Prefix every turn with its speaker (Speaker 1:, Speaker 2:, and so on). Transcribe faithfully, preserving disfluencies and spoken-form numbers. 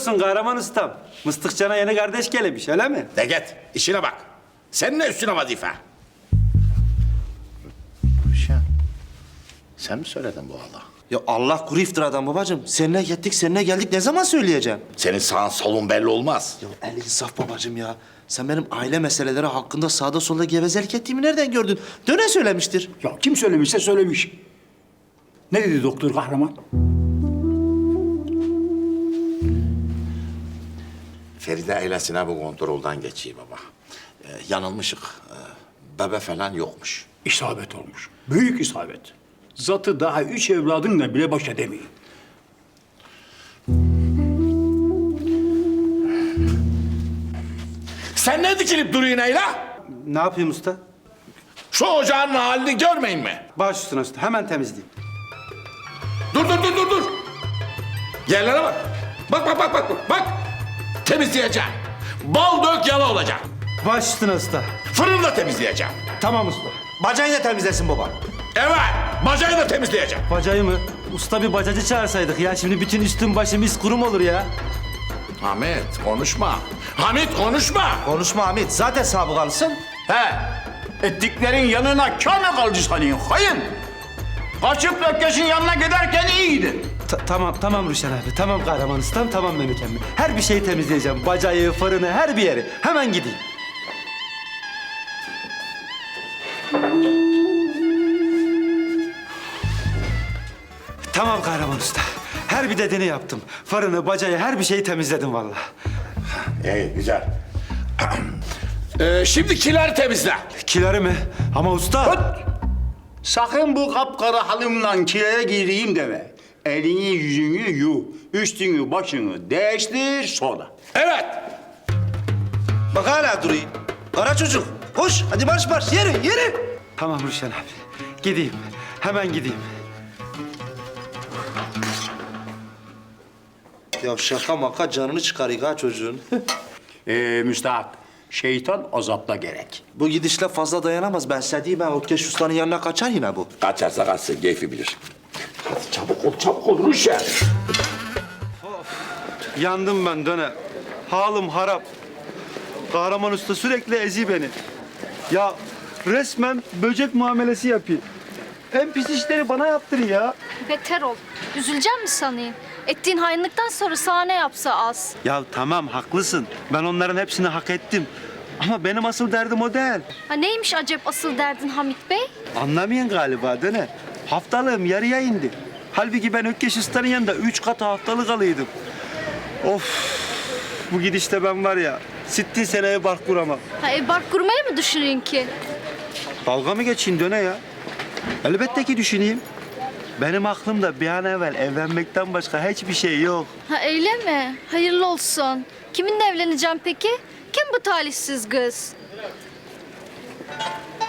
Speaker 1: olsun kahraman ustam. Mıstıkçana yeni kardeş gelemiş öyle mi?
Speaker 2: De git, işine bak. Senin ne üstüne vazife? Ruşen, sen mi söyledin bu Allah?
Speaker 3: Ya Allah kuru iftiradan babacığım. Seninle gittik, seninle geldik. Ne zaman söyleyeceğim?
Speaker 2: Senin sağın solun belli olmaz.
Speaker 3: Ya el insaf babacığım ya. Sen benim aile meseleleri hakkında sağda solda gevezelik ettiğimi nereden gördün? Döne söylemiştir.
Speaker 4: Ya kim söylemişse söylemiş. Ne dedi doktor kahraman?
Speaker 2: Feride ailesine bu kontrolden geçiyor baba. Ee, yanılmışık. Ee, bebe falan yokmuş.
Speaker 4: İsabet olmuş. Büyük isabet. Zatı daha üç evladınla bile baş edemeyin.
Speaker 2: Sen ne dikilip duruyorsun Ayla?
Speaker 1: Ne yapayım usta?
Speaker 2: Şu ocağın halini görmeyin mi?
Speaker 1: Baş üstüne usta hemen temizleyeyim.
Speaker 2: Dur dur dur dur dur. Yerlere bak. Bak bak bak bak bak. Temizleyeceğim. Bal dök yala olacak.
Speaker 1: Baş üstüne usta.
Speaker 2: Fırını da temizleyeceğim.
Speaker 1: Tamam usta.
Speaker 3: Bacayı da temizlesin baba.
Speaker 2: Evet, bacayı da temizleyeceğim.
Speaker 1: Bacayı mı? Usta bir bacacı çağırsaydık ya. Şimdi bütün üstüm başım iz kurum olur ya.
Speaker 2: Hamit konuşma. Hamit konuşma.
Speaker 3: Konuşma Hamit. Zaten sabıkalısın.
Speaker 4: He, ettiklerin yanına kâr mı kaldı sanıyorsun? Hayır. Kaçıp Ökkeş'in yanına giderken iyiydi.
Speaker 1: Ta- tamam tamam Ruşen abi. Tamam kahraman ustam. Tamam Mehmet emmi. Her bir şeyi temizleyeceğim. Bacayı, fırını, her bir yeri. Hemen gideyim. Tamam kahraman usta. Her bir dediğini yaptım. Fırını, bacayı, her bir şeyi temizledim vallahi.
Speaker 2: İyi, güzel. ee, şimdi kiler temizle.
Speaker 1: Kileri mi? Ama usta...
Speaker 4: Öt! Sakın bu kapkara halımla kireye gireyim deme. Elini yüzünü yu, üstünü başını değiştir sonra.
Speaker 2: Evet.
Speaker 3: Bak hala duruyor. Kara çocuk. Koş. Hadi marş marş. Yürü yürü.
Speaker 1: Tamam Ruşen abi. Gideyim. Hemen gideyim.
Speaker 3: Ya şaka maka canını çıkarıyor ha çocuğun.
Speaker 4: Ee, müstahak, şeytan azapla gerek.
Speaker 3: Bu gidişle fazla dayanamaz. Ben size diyeyim, ben Ökkeş Usta'nın yanına kaçar yine bu.
Speaker 2: Kaçarsa kaçsın, keyfi bilir. Hadi çabuk ol, çabuk ol Ruşen.
Speaker 1: Yandım ben döne. Halim harap. Kahraman usta sürekli ezi beni. Ya resmen böcek muamelesi yapıyor. En pis işleri bana yaptırıyor ya.
Speaker 5: Beter ol. Üzüleceğim mi sanayım? Ettiğin hainlikten sonra sana ne yapsa az.
Speaker 1: Ya tamam haklısın. Ben onların hepsini hak ettim. Ama benim asıl derdim o değil.
Speaker 5: Ha neymiş acep asıl derdin Hamit Bey?
Speaker 1: Anlamayan galiba döne. Haftalığım yarıya indi. Halbuki ben Ökkeş Usta'nın yanında üç katı haftalık alıydım. Of! Bu gidişte ben var ya, sittin seneye bark kuramam.
Speaker 5: Ha ev bark kurmayı mı düşünüyorsun ki?
Speaker 1: Dalga mı geçeyim döne ya? Elbette ki düşüneyim. Benim aklımda bir an evvel evlenmekten başka hiçbir şey yok.
Speaker 5: Ha öyle mi? Hayırlı olsun. Kiminle evleneceğim peki? Kim bu talihsiz kız?